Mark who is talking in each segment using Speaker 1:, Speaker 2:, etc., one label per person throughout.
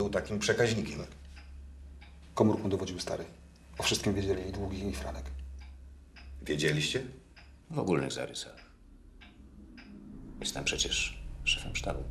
Speaker 1: był takim przekaźnikiem.
Speaker 2: Komórką dowodził stary. O wszystkim wiedzieli i Długi, i Franek.
Speaker 1: Wiedzieliście?
Speaker 3: W ogólnych zarysach. Jestem przecież szefem sztabu.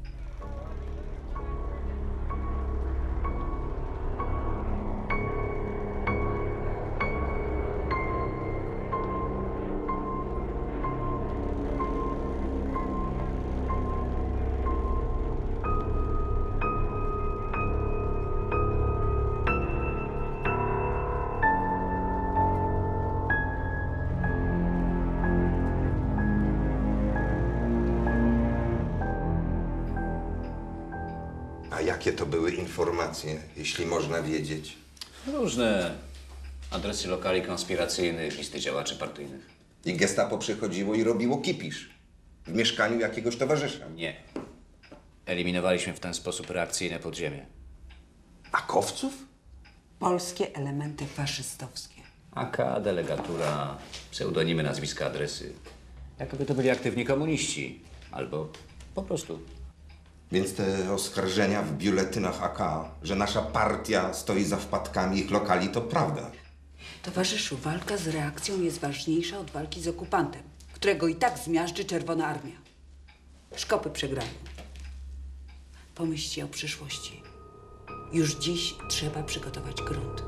Speaker 1: A jakie to były informacje, jeśli można wiedzieć?
Speaker 3: Różne adresy lokali konspiracyjnych, listy działaczy partyjnych.
Speaker 1: I gestapo przychodziło i robiło kipisz w mieszkaniu jakiegoś towarzysza.
Speaker 3: Nie. Eliminowaliśmy w ten sposób reakcyjne podziemie.
Speaker 1: Akowców?
Speaker 4: Polskie elementy faszystowskie.
Speaker 3: AK, delegatura, pseudonimy, nazwiska, adresy. Jakoby to byli aktywni komuniści. Albo po prostu.
Speaker 1: Więc te oskarżenia w biuletynach AK, że nasza partia stoi za wpadkami ich lokali, to prawda.
Speaker 4: Towarzyszu, walka z reakcją jest ważniejsza od walki z okupantem, którego i tak zmiażdży Czerwona Armia. Szkopy przegrają. Pomyślcie o przyszłości. Już dziś trzeba przygotować grunt.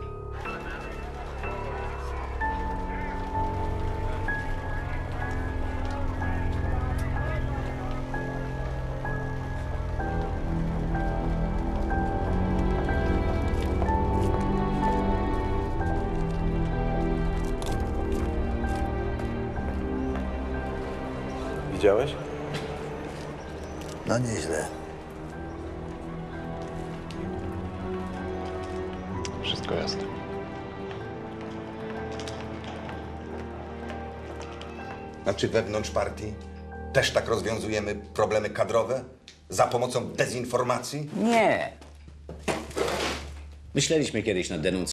Speaker 5: Widziałeś?
Speaker 6: No nieźle.
Speaker 5: Wszystko jasne.
Speaker 1: A czy wewnątrz partii też tak rozwiązujemy problemy kadrowe? Za pomocą dezinformacji?
Speaker 3: Nie. Myśleliśmy kiedyś nad denuncją.